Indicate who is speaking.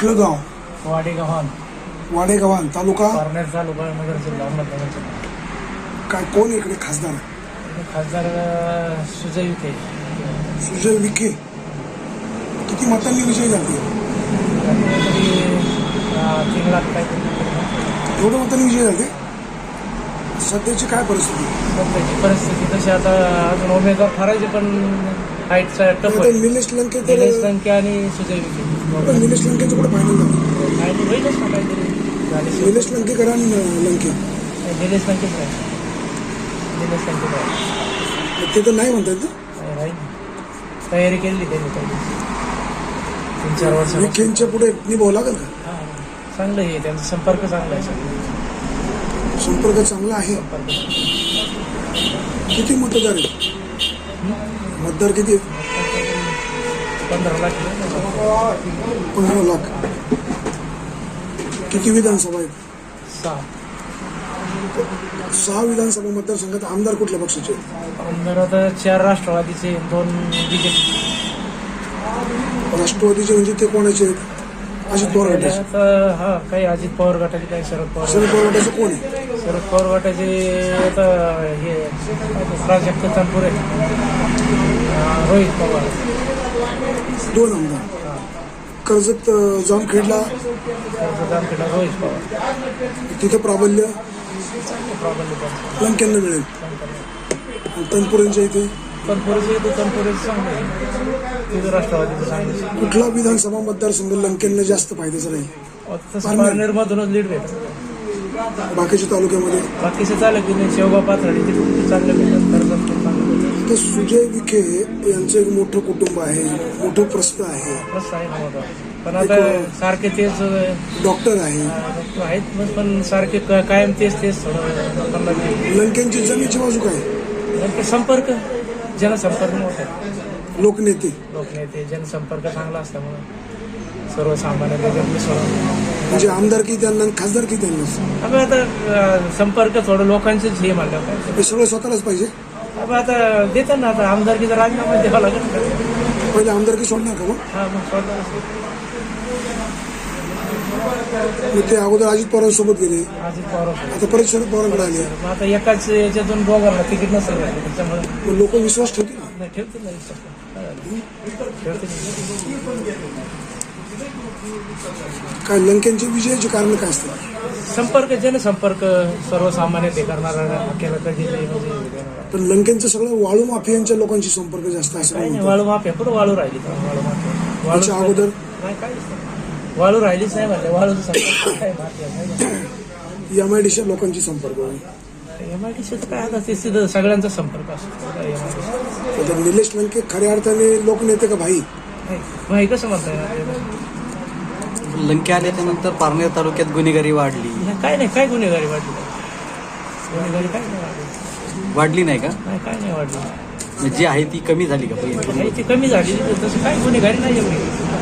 Speaker 1: कुठलं गाव?
Speaker 2: वाडेगावान
Speaker 1: वाडेगावान तालुका
Speaker 2: पारनेर तालुका नगर जिल्हा अहमदनगर जिल्हा.
Speaker 1: काय कोण इकडे खासदार?
Speaker 2: खासदार सुजय विखे.
Speaker 1: सुजय विखे. किती मतांनी विजय झाले?
Speaker 2: तरी 3 लाख काहीतरी.
Speaker 1: एवढं मतांनी विजय झाले? सध्याची काय परिस्थिती?
Speaker 2: सध्याची परिस्थिती तशी आता अजून उमेदवार ठरायचे पण हाईटचा टफ
Speaker 1: आता निलेश लंके तर
Speaker 2: निलेश लंके आणि सुजय विखे.
Speaker 1: पण निलेश लंकेचं कुठं फायनल झालं?
Speaker 2: काय होईलच ना काहीतरी झाले.
Speaker 1: निलेश लंकेकर आणि लंके
Speaker 2: निलेश लंकेच राहील. निलेश लंकेच राहील.
Speaker 1: ते तर नाही म्हणतात ना.
Speaker 2: राहील तयारी केली त्यांनी 3-4 वर्ष.
Speaker 1: विखेंच्या पुढे निभावं लागेल का?
Speaker 2: चांगलं आहे त्यांचा संपर्क चांगला आहे.
Speaker 1: संपर्क चांगला आहे. किती मतदार आहेत? मतदार किती आहेत?
Speaker 2: 15 लाख.
Speaker 1: 15 लाख. किती विधानसभा आहेत? 6 विधानसभा मतदारसंघात आमदार कुठल्या पक्षाचे?
Speaker 2: आमदार आता 4 राष्ट्रवादीचे, 2 बीजेपी.
Speaker 1: राष्ट्रवादीचे म्हणजे ते कोणाचे आहेत? अजित पवार गटाचे.
Speaker 2: हा काही अजित पवार गटाचे, काही शरद पवार.
Speaker 1: शरद पवार गटाचे कोण आहे?
Speaker 2: शरद पवार गटाचे आता हे प्राजक्त तनपुरे, रोहित पवार.
Speaker 1: 2 आमदार. कर्जत जामखेडला
Speaker 2: रोहित पवार.
Speaker 1: तिथं प्राबल्य
Speaker 2: प्रॉब्लेम
Speaker 1: लंकेंना मिळेल. आणि तनपुरेंच्या इथे
Speaker 2: तनपुरेचे चांगले आहे. तिथं राष्ट्रवादीचं चांगलं.
Speaker 1: कुठला विधानसभा मतदारसंघ लंकेंना जास्त फायद्याचा राहील?
Speaker 2: तसं पारनेरमधूनच लीड भेटत.
Speaker 1: बाकीच्या तालुक्यामध्ये
Speaker 2: बाकीचे चालू की नाही, शेवगा पाथर्डी तिथे चांगलं भेटत. कर्जत चांगलं भेटत.
Speaker 1: तर सुजय विखे यांचं एक मोठं कुटुंब आहे, मोठं प्रस्थ आहे,
Speaker 2: बस आहे ना मोठा. पण आता सारखे तेच
Speaker 1: डॉक्टर आहे.
Speaker 2: आहेत पण सारखे कायम तेच थोडं लोकांना
Speaker 1: लंकेंची जमीची बाजू काय?
Speaker 2: संपर्क, जनसंपर्क मोठा आहे.
Speaker 1: लोकनेते.
Speaker 2: लोकनेते, जनसंपर्क चांगला असल्यामुळे सर्वसामान्य त्याच्यात मिसळून.
Speaker 1: म्हणजे आमदारकी त्यांना, खासदारकी त्यांना.
Speaker 2: अबे आता संपर्क थोडं लोकांचंच हे म्हणलं काय.
Speaker 1: हे सगळं स्वतःलाच पाहिजे.
Speaker 2: अबे आता देतात ना, आता आमदारकीचा राजीनामा द्यावा लागेल.
Speaker 1: पहिले आमदारकी सोडणार का मग?
Speaker 2: हा मग स्वतः
Speaker 1: मग ते अगोदर अजित पवारांसोबत गेले,
Speaker 2: अजित पवार.
Speaker 1: आता परत शरद पवारांकडे आले.
Speaker 2: मग आता एकाच याच्यातून दोघांना तिकीट नसेल भेटलं, त्याच्यामुळे
Speaker 1: मग लोक विश्वास ठेवतील ना.
Speaker 2: नाही ठेवतील नाही ठेवतील.
Speaker 1: काय लंकेंच्या विजयाचे कारण काय असतात?
Speaker 2: संपर्क, जनसंपर्क, सर्वसामान्य ते करणारा आपल्याला कधी
Speaker 1: पण लंकेंचं सगळं वाळू माफियांच्या लोकांशी संपर्क जास्त असं
Speaker 2: काही नाही. वाळू माफिया कुठं वाळू राहिली? वाळू माफिया
Speaker 1: त्याच्या अगोदर
Speaker 2: नाही, काहीच नाही. वाळू राहिलीच नाही म्हणले. वाळूचं संपर्क काय माफिया
Speaker 1: MIDC लोकांची संपर्क आहे.
Speaker 2: MIDC काय आता ते सिधं सगळ्यांचा संपर्क असतो.
Speaker 1: तर निलेश लंके खऱ्या अर्थाने लोकनेते का भाई?
Speaker 2: भाई कसं म्हणताय?
Speaker 3: लंके आल्याच्यानंतर पारनेर तालुक्यात गुन्हेगारी वाढली.
Speaker 2: काय नाही, काय गुन्हेगारी वाढली? गुन्हेगारी काय नाही वाढली.
Speaker 3: वाढली नाही का?
Speaker 2: नाही, काय नाही वाढली.
Speaker 3: जी आहे ती कमी झाली का?
Speaker 2: ती कमी झाली. तसं काय गुन्हेगारी नाही एवढी.